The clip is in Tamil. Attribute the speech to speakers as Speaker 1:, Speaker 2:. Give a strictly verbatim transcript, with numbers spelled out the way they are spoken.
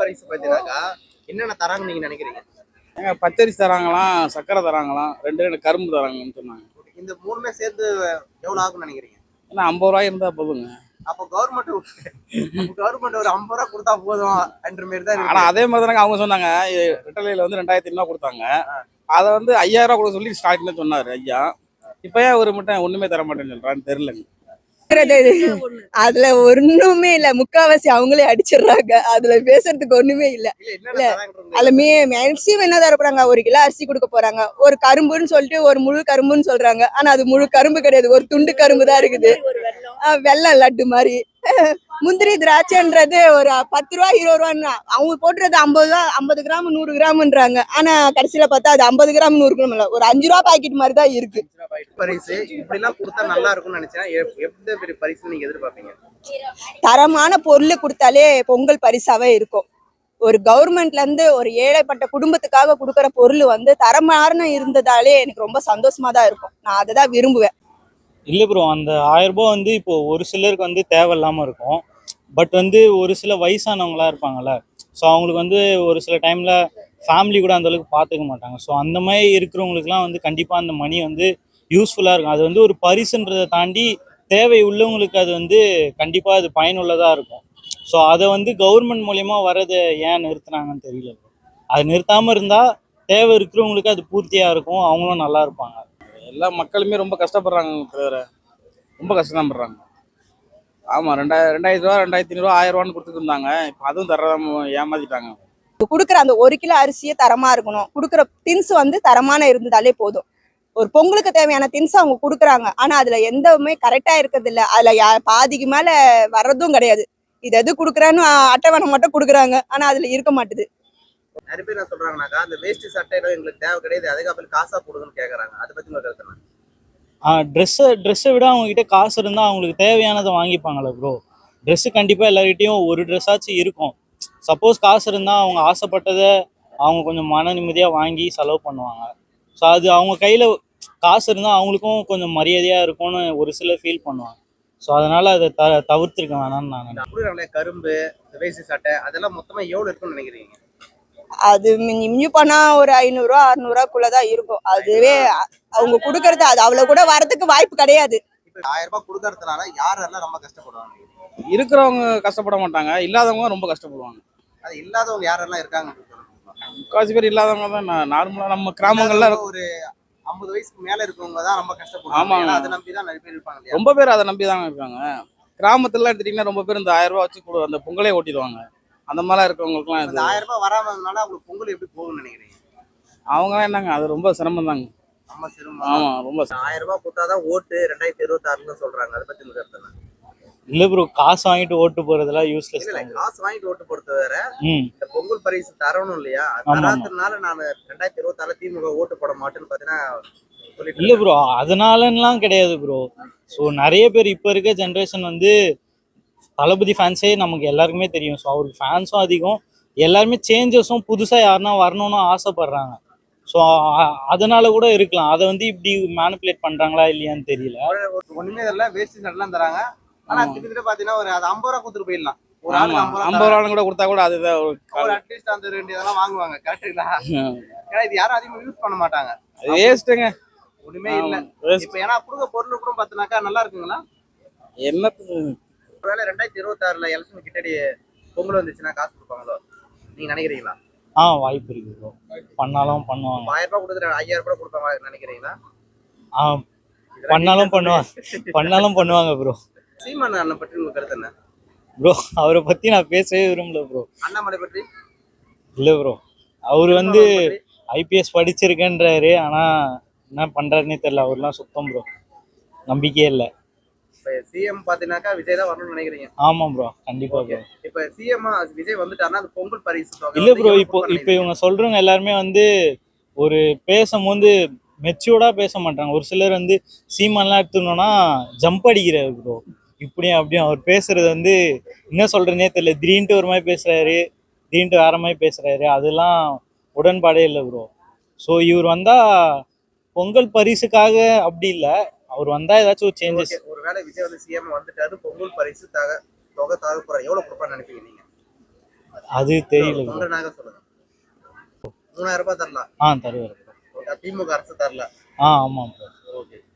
Speaker 1: பரிசு பார்த்தீங்கன்னாக்கா என்னென்ன தராங்கன்னு நீங்க நினைக்கிறீங்க?
Speaker 2: ஏங்க பச்சரிசி தராங்களாம், சர்க்கரை தராங்களாம், ரெண்டு ரெண்டு கரும்பு தராங்கன்னு சொன்னாங்க.
Speaker 1: இந்த மூணுமே சேர்த்து எவ்வளவு ஆகும்னு நினைக்கிறீங்க?
Speaker 2: ஏன்னா ஐம்பது ரூபாய் இருந்தா போதுங்க.
Speaker 1: அப்போ கவர்மெண்ட் கவர்மெண்ட் ஒரு ஐம்பது ரூபா கொடுத்தா போதும் என்ற மாதிரி தான்
Speaker 2: ஆனா
Speaker 1: இருக்கு.
Speaker 2: அதே மாதிரி தானங்க அவங்க சொன்னாங்க. ரிட்டர்லையில் வந்து ரெண்டாயிரத்தி ஐநூறுவா கொடுத்தாங்க. அதை வந்து ஐயாயிரம் ரூபா கொடுக்க சொல்லி ஸ்டார்ட்னு சொன்னாரு ஐயா. இப்ப ஏன் ஒரு மட்டும் ஒண்ணுமே தர மாட்டேன்னு சொல்றான்னு தெரியலங்க.
Speaker 3: அதுல ஒண்ணுமே இல்ல, முக்காவாசி அவங்களே அடிச்சிடுறாங்க. அதுல பேசுறதுக்கு ஒண்ணுமே இல்ல.
Speaker 1: இல்ல என்னென்ன தராங்கன்னு
Speaker 3: அதுல மே மேக்சிமம் என்ன தரப்படுறாங்க, ஒரு கிலோ அரிசி கொடுக்க போறாங்க, ஒரு கரும்புன்னு சொல்லிட்டு ஒரு முழு கரும்புன்னு சொல்றாங்க. ஆனா அது முழு கரும்பு கிடையாது, ஒரு துண்டு கரும்பு தான் இருக்குது. ஆஹ் வெள்ளம் லட்டு மாதிரி. முந்திரி திராட்சைன்றது ஒரு பத்து ரூபா இருபது ரூபான்னு அவங்க போட்டுறது ஐம்பது ரூபா ஐம்பது கிராம் நூறு கிராம்ன்றாங்க. ஆனா கடைசியில பார்த்தா அது ஐம்பது கிராம் நூறு கிராம் இல்ல, ஒரு அஞ்சு ரூபா பாக்கெட் மாதிரி தான் இருக்கு.
Speaker 1: பரிசு இப்படி எல்லாம் கொடுத்தா நல்லா இருக்கும்னு நினைச்சேன். எந்த பெரிய பரிசு நீங்க எதிர்பார்ப்பீங்க?
Speaker 3: தரமான பொருள் கொடுத்தாலே பொங்கல் பரிசாவே இருக்கும். ஒரு கவர்மெண்ட்ல இருந்து ஒரு ஏழைப்பட்ட குடும்பத்துக்காக கொடுக்கற பொருள் வந்து தரமான இருந்ததாலே எனக்கு ரொம்ப சந்தோஷமா தான் இருக்கும். நான் அதை தான் விரும்புவேன்.
Speaker 4: இல்லை ப்ரோ, அந்த ஆயிரம் ரூபாய் வந்து இப்போ ஒரு சிலருக்கு வந்து தேவையில்லாமல் இருக்கும். பட் வந்து ஒரு சில வயசானவங்களா இருப்பாங்கல்ல, ஸோ அவங்களுக்கு வந்து ஒரு சில டைமில் ஃபேமிலி கூட அந்த அளவுக்கு பார்த்துக்க மாட்டாங்க. ஸோ அந்த மாதிரி இருக்கிறவங்களுக்குலாம் வந்து கண்டிப்பாக அந்த மணி வந்து யூஸ்ஃபுல்லாக இருக்கும். அது வந்து ஒரு பரிசுன்றதை தாண்டி தேவை உள்ளவங்களுக்கு அது வந்து கண்டிப்பாக அது பயனுள்ளதாக இருக்கும். ஸோ அதை வந்து கவர்மெண்ட் மூலயமா வர்றதை ஏன் நிறுத்துனாங்கன்னு தெரியல. அது நிறுத்தாமல் இருந்தால் தேவை இருக்கிறவங்களுக்கு அது பூர்த்தியாக இருக்கும், அவங்களும் நல்லா இருப்பாங்க.
Speaker 2: எல்லா மக்களுமே ரொம்ப கஷ்டப்படுறாங்க தவிர ரொம்ப கஷ்டம் படுறாங்க. ஆமா, ரெண்டாயிரம் ரெண்டாயிரத்தி ரூபா ரெண்டாயிரத்தி ஐநூறுவா ஆயிரம் ரூபான்னு கொடுத்துட்டு இருந்தாங்க. இப்போ அதுவும் தராம ஏமாத்திட்டாங்க.
Speaker 3: கொடுக்குற அந்த ஒரு கிலோ அரிசியே தரமா இருக்கணும். கொடுக்குற திங்ஸ் வந்து தரமான இருந்ததாலே போதும். ஒரு பொங்கலுக்கு தேவையான திங்ஸ் அவங்க கொடுக்குறாங்க. ஆனா அதுல எந்தவுமே கரெக்டா இருக்கிறது இல்ல. அதுல யா பாதிக்கு மேல வர்றதும் கிடையாது. இது எது கொடுக்குறான்னு அட்டவணை மட்டும் கொடுக்குறாங்க, ஆனா அதுல இருக்க மாட்டுது.
Speaker 1: நிறைய பேர் என்ன சொல்றாங்கன்னாக்கா அந்த வேஷ்டி சட்டையில எங்களுக்கு தேவை கிடையாது, அதுக்கப்புறம் காசா போடுங்கன்னு கேட்கறாங்க. அதை பத்தி உங்க கருத்து என்ன?
Speaker 4: ட்ரெஸ்ஸை ட்ரெஸ்ஸை விட அவங்ககிட்ட காசு இருந்தால் அவங்களுக்கு தேவையானதை வாங்கிப்பாங்களே ப்ரோ. ட்ரெஸ்ஸு கண்டிப்பாக எல்லார்கிட்டையும் ஒரு ட்ரெஸ்ஸாச்சும் இருக்கும். சப்போஸ் காசு இருந்தால் அவங்க ஆசைப்பட்டதை அவங்க கொஞ்சம் மன நிம்மதியாக வாங்கி செலவு பண்ணுவாங்க. ஸோ அது அவங்க கையில் காசு இருந்தால் அவங்களுக்கும் கொஞ்சம் மரியாதையாக இருக்கும்னு ஒரு சிலர் ஃபீல் பண்ணுவாங்க. ஸோ அதனால் அதை த தவிர்த்துருக்க வேணாம்னு நான் நினைக்கிறேன்.
Speaker 1: கொடுக்குறாங்களே கரும்பு, வேஷ்டி சட்டை, அதெல்லாம் மொத்தமா எவ்வளவு இருக்குன்னு நினைக்கிறீங்க?
Speaker 3: அது மிஞ்சி மிஞ்சி பண்ணா ஒரு ஐநூறு ரூபா அறுநூறு ரூபாக்குள்ளதான் இருக்கும். அதுவே அவங்க கொடுக்கறது அது அவ்வளவு கூட வரதுக்கு வாய்ப்பு கிடையாது.
Speaker 1: இப்ப ஆயிரம் ரூபாய் கொடுக்கறதுனால யாரெல்லாம் ரொம்ப கஷ்டப்படுவாங்க?
Speaker 2: இருக்கிறவங்க கஷ்டப்பட மாட்டாங்க, இல்லாதவங்க ரொம்ப கஷ்டப்படுவாங்க.
Speaker 1: அது இல்லாதவங்க யாரெல்லாம் இருக்காங்க?
Speaker 2: முக்காசி பேர் இல்லாதவங்க தான். நார்மலா நம்ம கிராமங்கள்ல
Speaker 1: ஒரு ஐம்பது வயசுக்கு மேல இருக்கவங்க தான் ரொம்ப கஷ்டப்படுவாங்க.
Speaker 2: ஆமாங்க.
Speaker 1: அதை நம்பிதான் நிறைய பேர் இருப்பாங்க.
Speaker 2: ரொம்ப பேர் அதை நம்பி தாங்க இருக்காங்க. கிராமத்துல எடுத்துட்டீங்கன்னா ரொம்ப பேர் இந்த ஆயிரம் ரூபாய் வச்சு அந்த பொங்கலே ஓட்டிடுவாங்க. அந்த மாதிரிலாம் இருக்கவங்களுக்குலாம்
Speaker 1: இந்த ஆயிரம் ரூபாய் வராமனால அவங்களுக்கு பொங்கல் எப்படி போகும்னு நினைக்கிறீங்க?
Speaker 2: அவங்கலாம் என்னங்க, அது ரொம்ப சிரமம் தாங்க.
Speaker 1: நம்ம சிரமம்.
Speaker 2: ஆமா, ரொம்ப
Speaker 1: ஆயிரம் ரூபாய் கொடுத்தாதான் ஓட்டு ரெண்டாயிரத்தி இருபத்தி ஆறுன்னு சொல்றாங்க. அதை பத்தி கருத்து என்ன?
Speaker 4: இல்லை ப்ரோ, காசு வாங்கிட்டு ஓட்டு போறதெல்லாம் யூஸ்லெஸ்.
Speaker 1: காசு வாங்கிட்டு ஓட்டு போறது வேற,
Speaker 4: ம்
Speaker 1: இந்த பொங்கல் பரிசு தரணும் இல்லையா? தராதனால நான் ரெண்டாயிரத்தி இருபத்தி ஆறுல திமுக ஓட்டு போட மாட்டேன்னு பாத்தீங்கன்னா சொல்லிட்டு.
Speaker 4: இல்லை ப்ரோ, அதனாலலாம் கிடையாது ப்ரோ. ஸோ நிறைய பேர் இப்போ இருக்க ஜென்ரேஷன் வந்து தளபதி ஃபேன்ஸே நமக்கு எல்லாருக்குமே தெரியும். ஸோ அவருக்கு ஃபேன்ஸும் அதிகம், எல்லாருமே சேஞ்சஸும் புதுசாக யாருன்னா வரணும்னு ஆசைப்படுறாங்க. ஸோ அதனால கூட இருக்கலாம். அதை வந்து இப்படி மேனிப்புலேட் பண்றாங்களா இல்லையான்னு தெரியல.
Speaker 1: ஒண்ணுமே தெரியல, வேஷ்டி சட்டெல்லாம் தராங்க. ஆனா கிட்டத்தட்ட பாத்தீங்கன்னா ஒரு அது ஐம்பது ரூபா கொடுத்துட்டு போயிடலாம். ஒரு ஆளுக்கு
Speaker 2: ஐம்பது ரூபாய் கூட கொடுத்தா கூட அதுதான்
Speaker 1: அட்லீஸ்ட் அந்த ரெண்டு இதெல்லாம் வாங்குவாங்க. கரெக்டுங்களா? ஏன்னா இது யாரும் அதிகமா யூஸ் பண்ண மாட்டாங்க.
Speaker 2: வேஸ்ட்டுங்க,
Speaker 1: ஒண்ணுமே இல்ல. இப்ப ஏன்னா கொடுக்க பொருள் கூட பாத்தீங்கன்னாக்கா நல்லா இருக்குங்களா?
Speaker 2: என்னத்துக்கு
Speaker 1: ஒருவேளை ரெண்டாயிரத்தி இருபத்தி ஆறுல எலெக்ஷன் கிட்டடி பொங்கல் வந்துச்சுன்னா காசு கொடுப்பாங்களோ நீங்க நினைக்கிறீங்களா?
Speaker 4: ஆ வாய்ப்பு இருக்கு ப்ரோ, பண்ணாலும் பண்ணுவாங்க.
Speaker 1: ஆயிரம் ரூபாய் கொடுத்துட்டு ஐயாயிரம் ரூபாய் கொடுப்பாங்க நினைக்கிறீங்களா?
Speaker 4: ஆ பண்ணாலும் பண்ணுவாங்க, பண்ணாலும் பண்ணுவாங்க ப்ரோ.
Speaker 1: சீமான் அண்ணன் பற்றி உங்க கருத்து என்ன
Speaker 4: ப்ரோ? அவரை பத்தி நான் பேசவே விரும்பல ப்ரோ.
Speaker 1: அண்ணாமலை பற்றி?
Speaker 4: இல்லை ப்ரோ, அவர் வந்து ஐபிஎஸ் படிச்சிருக்கேன்றாரு, ஆனா என்ன பண்றாருன்னே தெரியல. அவர்லாம் சுத்தம் ப்ரோ, நம்பிக்கையே இல்லை.
Speaker 1: சிஎம் பாத்தீங்கன்னாக்கா விஜய் தான் வரணும்னு நினைக்கிறீங்க?
Speaker 4: ஆமா ப்ரோ, கண்டிப்பா ப்ரோ.
Speaker 1: இப்ப சிஎம் விஜய் வந்துட்டாருன்னா அது பொங்கல் பரிசு
Speaker 4: இல்ல ப்ரோ, இப்போ இப்போ இவங்க சொல்றவங்க எல்லாருமே வந்து ஒரு பேசும்போது மெச்சூர்டா பேச மாட்டாங்க. ஒரு சிலர் வந்து சீமான்லாம் எடுத்துக்கணும்னா ஜம்ப் அடிக்கிறாரு ப்ரோ, இப்படியும் அப்படியும். அவர் பேசுறது வந்து என்ன சொல்றதுனே தெரியல. திடீர்னு ஒரு மாதிரி பேசுறாரு, திடீர்னு வேற மாதிரி பேசுறாரு. அதெல்லாம் உடன்பாடே இல்லை ப்ரோ. ஸோ இவர் வந்தா பொங்கல் பரிசுக்காக அப்படி இல்லை, அவர் வந்தா ஏதாச்சும் ஒரு சேஞ்சஸ்.
Speaker 1: ஒருவேளை விஜய் வந்து சிஎம் வந்துட்டாரு, பொங்கல் பரிசு தக தொகை தர போறாரு, எவ்வளவு கொடுப்பான்னு நினைப்பீங்க நீங்க?
Speaker 4: அது தெரியல ப்ரோ.
Speaker 1: தொண்டனாக சொல்லுங்க. மூணாயிரம் ரூபாய் தரலாம்.
Speaker 4: ஆ தருவார் ப்ரோ.
Speaker 1: திமுக அரசு தரல.
Speaker 4: ஆ ஆமாம் ப்ரோ.
Speaker 1: ஓகே.